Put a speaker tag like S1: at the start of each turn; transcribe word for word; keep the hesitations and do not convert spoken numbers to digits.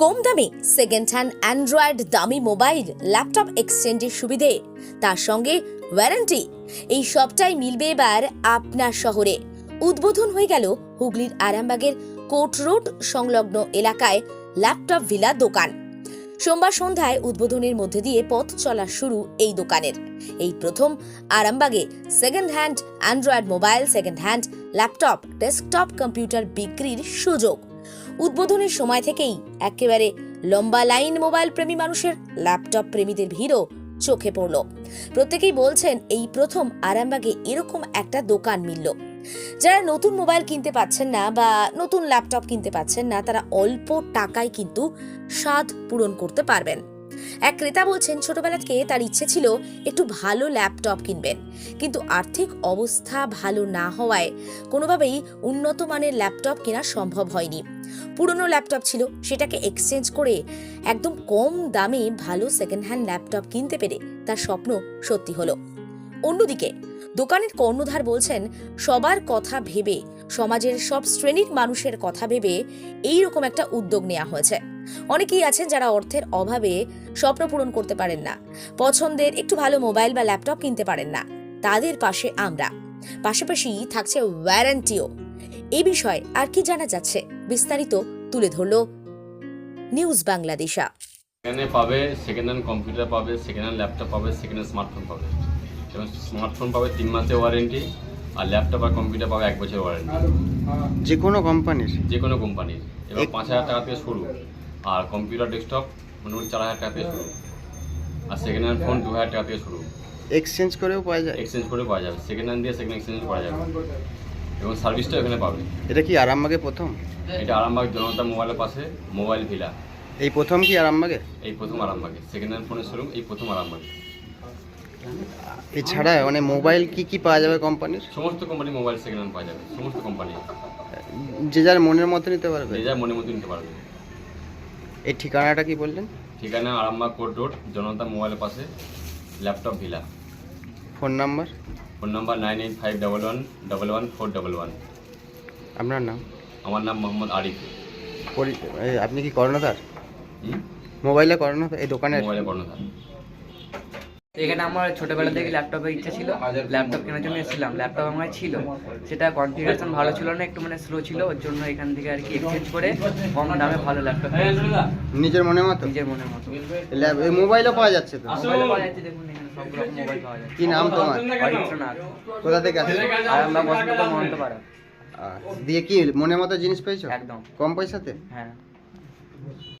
S1: কম দামে second hand android দামি mobile laptop এক্সচেঞ্জের সুবিধে, তার সঙ্গে ওয়ারেন্টি, এই সবটাই মিলবে এবার আপনার শহরে। উদ্বোধন হয়ে গেল হুগলির আরামবাগের কোর্ট রোড সংলগ্ন এলাকায় ল্যাপটপ ভিলা দোকান। সোমবার সন্ধ্যায় উদ্বোধনের মধ্যে দিয়ে পথ চলা শুরু এই দোকানের। এই প্রথম আরামবাগে second hand android mobile, second hand laptop, desktop computer বিক্রির সুযোগ। উদ্বোধনের সময় থেকেই একেবারে লম্বা লাইন মোবাইল প্রেমী মানুষের, ল্যাপটপ প্রেমীদের ভিড়ও চোখে পড়ল। প্রত্যেকেই বলছেন এই প্রথম আরামবাগে এরকম একটা দোকান মিলল। যারা নতুন মোবাইল কিনতে পাচ্ছেন না বা নতুন ল্যাপটপ কিনতে পাচ্ছেন না, তারা অল্প টাকায় কিন্তু স্বাদ পূরণ করতে পারবেন। এক ক্রেতা বলছেন, ছোটবেলা থেকে তার ইচ্ছে ছিল একটু ভালো ল্যাপটপ কিনবেন, কিন্তু আর্থিক অবস্থা ভালো না হওয়ায় কোনোভাবেই উন্নত মানের ল্যাপটপ কেনা সম্ভব হয়নি। পুরনো ল্যাপটপ ছিল, সেটাকে এক্সচেঞ্জ করে একদম কম দামে ভালো সেকেন্ড হ্যান্ড ল্যাপটপ কিনতে পেরে তার স্বপ্ন সত্যি হলো। অন্যদিকে দোকানের কর্ণধার বলছেন, সবার কথা ভেবে, সমাজের সব শ্রেণীর মানুষের কথা ভেবে এই রকম একটা উদ্যোগ নেওয়া হয়েছে। অনেকেই আছেন যারা অর্থের অভাবে স্বপ্ন পূরণ করতে পারেন না, পছন্দের একটু ভালো মোবাইল বা ল্যাপটপ কিনতে পারেন না, তাদের পাশে আমরা। পাশাপাশি থাকছে ওয়ারেন্টিও। এই বিষয়ে আর কি জানা যাচ্ছে, বিস্তারিত তুলে ধরল নিউজ বাংলাদেশা।
S2: এখানে পাবে সেকেন্ড হ্যান্ড কম্পিউটার পাবে, সেকেন্ড হ্যান্ড ল্যাপটপ পাবে, সেকেন্ড হ্যান্ড স্মার্টফোন পাবে। এবং স্মার্টফোন পাবে তিন মাসের ওয়ারেন্টি, আর ল্যাপটপ আর কম্পিউটার পাবে এক বছরের ওয়ারেন্টি।
S3: যে কোনো কোম্পানির
S2: যে কোনো কোম্পানির। এবার পাঁচ হাজার টাকা থেকে শুরু, আর কম্পিউটার ডেস্কটপ মোটামুটি চার হাজার টাকা থেকে শুরু, আর সেকেন্ড হ্যান্ড ফোন দু হাজার টাকা থেকে শুরু।
S3: এক্সচেঞ্জ করেও পাওয়া যায়,
S2: এক্সচেঞ্জ করে পাওয়া যাবে, সেকেন্ড হ্যান্ড দিয়ে সেকেন্ড এক্সচেঞ্জ করা যাবে, এবং সার্ভিসটাও এখানে পাবে।
S3: এটা কি আরামবাগে প্রথম?
S2: এটা আরামবাগ জনতা মোবাইলের পাশে মোবাইল ভিলা।
S3: এই প্রথম কি আরামবাগে?
S2: এই প্রথম আরামবাগে সেকেন্ড হ্যান্ড ফোনের শোরুম, এই প্রথম আরামবাগে।
S3: এছাড়া মানে মোবাইল কি কি পাওয়া যাবে কোম্পানির?
S2: সমস্ত কোম্পানি মোবাইল সেকেন্ড হ্যান্ড পাওয়া যাবে, সমস্ত কোম্পানি।
S3: যে যার মনের মতো নিতে পারবে,
S2: যে যার মনের মতো নিতে পারবে।
S3: এই ঠিকানাটা কি বললেন?
S2: ঠিকানা আরামবাগ কোর্ট রোড জনতা মোবাইলের পাশে laptop villa.
S3: Phone number?
S2: Phone number nine eight five double one double one four double one.
S3: আপনার নাম?
S2: আমার নাম মোহাম্মদ আরিফ।
S3: পরি- এই আপনি কি কর্ণধার?
S2: হুম?
S3: মোবাইলে কর্ণধার এই দোকানের?
S2: মোবাইলে কর্ণধার।
S4: এখানে আমার ছোটবেলা থেকে ল্যাপটপের ইচ্ছা ছিল, ল্যাপটপ কেনার জন্য এসেছিলাম। ল্যাপটপ আমার ছিল, সেটা কনফিগারেশন ভালো ছিল না, একটু মানে স্লো ছিল, ওর জন্য এখান থেকে আর কি এক্সচেঞ্জ করে কম দামে ভালো ল্যাপটপ
S3: নিজের মনের মতো?
S4: নিজের মনের মতো।
S3: ল্যাপ- এই মোবাইলও পাওয়া যাচ্ছে তো?
S4: মোবাইল পাওয়া যাচ্ছে, দেখুন এখানে সব রকম মোবাইল পাওয়া যাচ্ছে।
S3: কি নাম তোমার?
S4: অরিত্রনাথ।
S3: কোথা থেকে আসছে?
S4: আর আমরা বসন্তপুর মহন্তপাড়া।
S3: আহ, দিয়ে কি মনের মতো জিনিস পেয়েছো
S4: একদম
S3: কম পয়সাতে?
S4: হ্যাঁ।